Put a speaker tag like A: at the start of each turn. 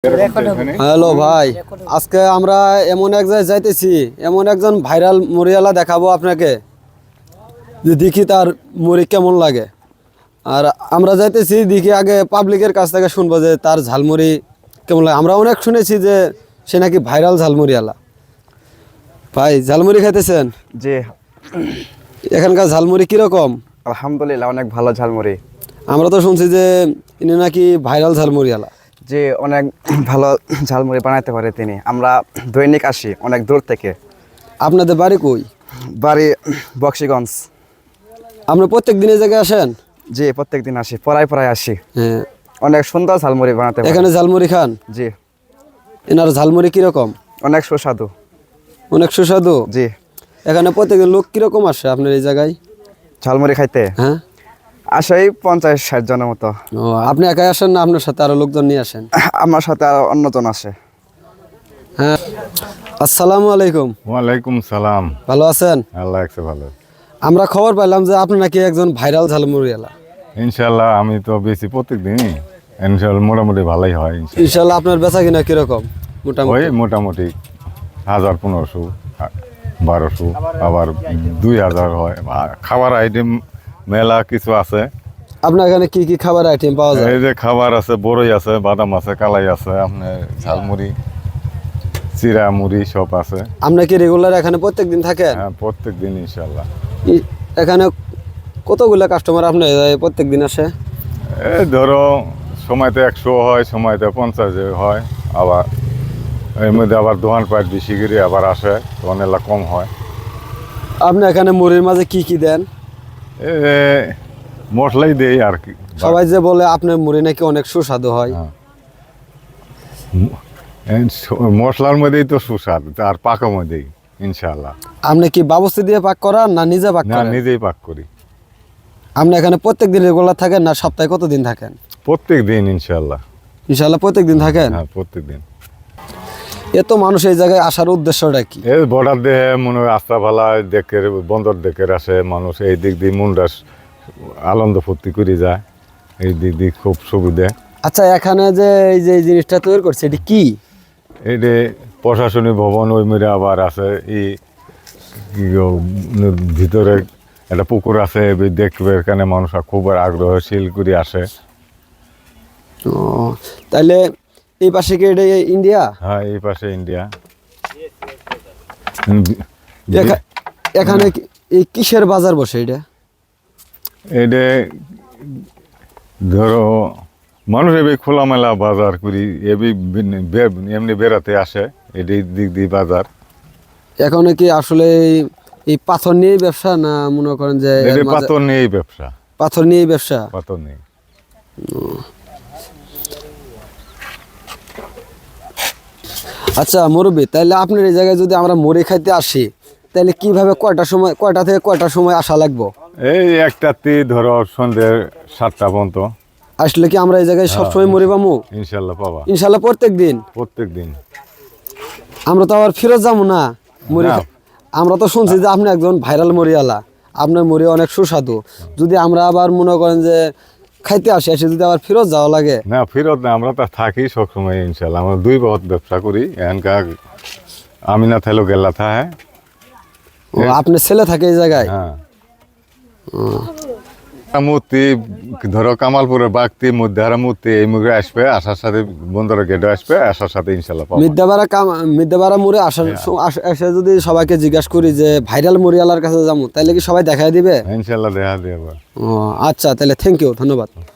A: Hello ভাই, আজকে আমরা এমন এক জায়গায় যাইতেছি, এমন একজন ভাইরাল মুড়িওয়ালা দেখাবো আপনাকে, যে দেখি তার মুড়ি কেমন লাগে। আর আমরা যাইতেছি দেখি আগে পাবলিকের কাছ থেকে শুনবো যে তার ঝালমুড়ি কেমন লাগে। আমরা অনেক শুনেছি যে সে নাকি ভাইরাল ঝালমুড়িওয়ালা। ভাই, ঝালমুড়ি খাইতেছেন?
B: জি,
A: এখানকার ঝালমুড়ি কিরকম?
B: আলহামদুলিল্লাহ অনেক ভালো ঝালমুড়ি।
A: আমরা তো শুনছি যে ইনি নাকি ভাইরাল ঝালমুড়িওয়ালা।
B: যে অনেক ভালো ঝালমুড়ি বানাতে পারে তিনি। আমরা দৈনিক আসি অনেক দূর থেকে।
A: আপনাদের বাড়ি কই?
B: বাড়ি বক্সিগঞ্জ।
A: আপনি প্রত্যেক দিন এই জায়গায় আসেন?
B: জি, প্রত্যেক দিন আসি, পড়ায় আসি।
A: হ্যাঁ।
B: অনেক সুন্দর ঝালমুড়ি বানাতে পারে।
A: এখানে ঝালমুড়ি খান?
B: জি।
A: এনার ঝালমুড়ি কিরকম?
B: অনেক সুস্বাদু।
A: অনেক সুস্বাদু?
B: জি।
A: এখানে প্রত্যেকদিন লোক কিরকম আসে আপনার এই জায়গায়
B: ঝালমুড়ি খাইতে?
A: হ্যাঁ,
B: আসে 50-60 জনের মতো।
A: ও, আপনি একাই আসেন না আপনার সাথে আরো লোকজন নিয়ে আসেন?
B: আমার সাথে আরো অন্যজন আসে।
A: হ্যাঁ। আসসালামু আলাইকুম।
C: ওয়ালাইকুম সালাম।
A: ভালো আছেন?
C: আল্লাহ একটু ভালো।
A: আমরা খবর পাইলাম যে আপনি নাকি একজন ভাইরাল ঝালমুড়িওয়ালা।
C: ইনশাল্লাহ আমি তো বেশি প্রত্যেক দিনই ইনশাল্লাহ মোটামুটি ভালোই হয়।
A: ইনশাল্লাহ আপনার বেচা কিনা কিরকম?
C: ওই মোটামুটি 1000, 1500, 1200, আবার 2000 হয়। খাবার আইটেম মেলা কিছু আছে।
A: আপনার এখানে কি কি খাবার আইটেম পাওয়া যায়?
C: এই যে খাবার আছে, বড়ই আছে, বাদাম আছে, কালাই আছে, আপনার ঝালমুড়ি, চিরা মুড়ি সব আছে।
A: আপনি কি রেগুলার এখানে প্রত্যেক দিন থাকেন?
C: হ্যাঁ, প্রত্যেক দিন ইনশাল্লাহ।
A: এখানে কতগুলো কাস্টমার আপনার প্রত্যেক দিন আসে?
C: এই ধরো সময়তে 100 হয়, সময়তে 50 হয়, আবার এর মধ্যে আবার দোকান পাট বেশি করে আবার আসে, তখন এলা কম হয়।
A: আপনি এখানে মুড়ির মাঝে কি কি দেন?
C: এ মশলাই দেই আর কি।
A: সবাই যে বলে আপনার মুড়ি নাকি অনেক সুস্বাদু হয়।
C: হ্যাঁ। মশলার মধ্যেই তো সুস্বাদ, আর পাকের মধ্যেই ইনশাল্লাহ।
A: আপনি কি বাবুর্চি দিয়ে পাক করান না নিজে পাক
C: না,
A: করেন?
C: নিজেই পাক করি।
A: আপনি এখানে প্রত্যেক দিন রেগুলার থাকেন না সপ্তাহে কতদিন থাকেন?
C: প্রত্যেক দিন ইনশাল্লাহ।
A: ইনশাআল্লাহ প্রত্যেক দিন থাকেন?
C: হ্যাঁ, প্রত্যেক দিন।
A: এত মানুষ এই জায়গায় আসার উদ্দেশ্যটা কি?
C: এই বর্ডার দেহে মনে হয় আস্তা ভালা দেখে, বন্দর দেখে আসে মানুষ। এই দিক দিয়ে মনটা আনন্দ ফুর্তি করে যায়, এই দিক দিয়ে খুব সুবিধা।
A: আচ্ছা, এখানে যে এই জিনিসটা তৈরি করছে এটি কি?
C: এই যে প্রশাসনিক ভবন, ওই মেরে আবার আছে ভিতরে একটা পুকুর আছে, দেখবে এখানে মানুষ খুব আগ্রহশীল করে আসে।
A: ও, তাইলে এই পাশে কি এটা ইন্ডিয়া?
C: হ্যাঁ, এই পাশে ইন্ডিয়া।
A: এখানে এই কিসের বাজার বসে এটা?
C: এটা ধরো মানুষ এবার খোলামেলা বাজার করি, এমনি বেড়াতে আসে, এটি দিক দিয়ে বাজার।
A: এখন কি আসলে এই পাথর নিয়ে ব্যবসা, না মনে করেন যে
C: পাথর নিয়েই ব্যবসা?
A: পাথর নিয়ে ব্যবসা।
C: পাথর নেই।
A: আচ্ছা মুরব্বী, তাইলে আপনার এই জায়গায় যদি আমরা মুড়ি খাইতে আসি, তাহলে কিভাবে কয়টা থেকে কয়টার সময় আসা লাগবো?
C: এই একটাতে ধরো সন্ধ্যে 7টা পর্যন্ত
A: আসলে কি আমরা এই জায়গায় সবসময় মুড়ি পাবো?
C: ইনশাল্লাহ পাবা।
A: ইনশাল্লাহ প্রত্যেক দিন?
C: প্রত্যেক দিন।
A: আমরা তো আবার ফেরত যাবো না মুড়ি।
C: না।
A: আমরা তো শুনছি যে আপনি একজন ভাইরাল মুড়িওয়ালা, আপনার মুড়ি অনেক সুস্বাদু। যদি আমরা আবার মনে করেন যে খাইতে আসি, এসে যদি আবার ফেরত যাওয়া লাগে?
C: না, ফেরত না, আমরা তো থাকি সবসময় ইনশাল্লাহ। আমরা 2 বছর ব্যবসা করি এখানকার। আমি না থাকলেও গেলা থাকে।
A: ও, আপনার ছেলে থাকে এই জায়গায়?
C: হ্যাঁ। মূর্তি ধরো কামালপুরের বাগতি মধ্যে মূর্তি, এই মুখে আসবে, আসার সাথে বন্দরের গেটে আসবে, আসার সাথে ইনশাল্লাহ পাবো।
A: মিদ্যাপাড়া মুড়ি এসে যদি সবাইকে জিজ্ঞাসা করি যে ভাইরাল মুড়িওয়ালার কাছে যাবো, তাহলে কি সবাই দেখাই দিবে?
C: ইনশাল্লাহ দেখা দিয়ে।
A: ও আচ্ছা, তাহলে থ্যাংক ইউ, ধন্যবাদ।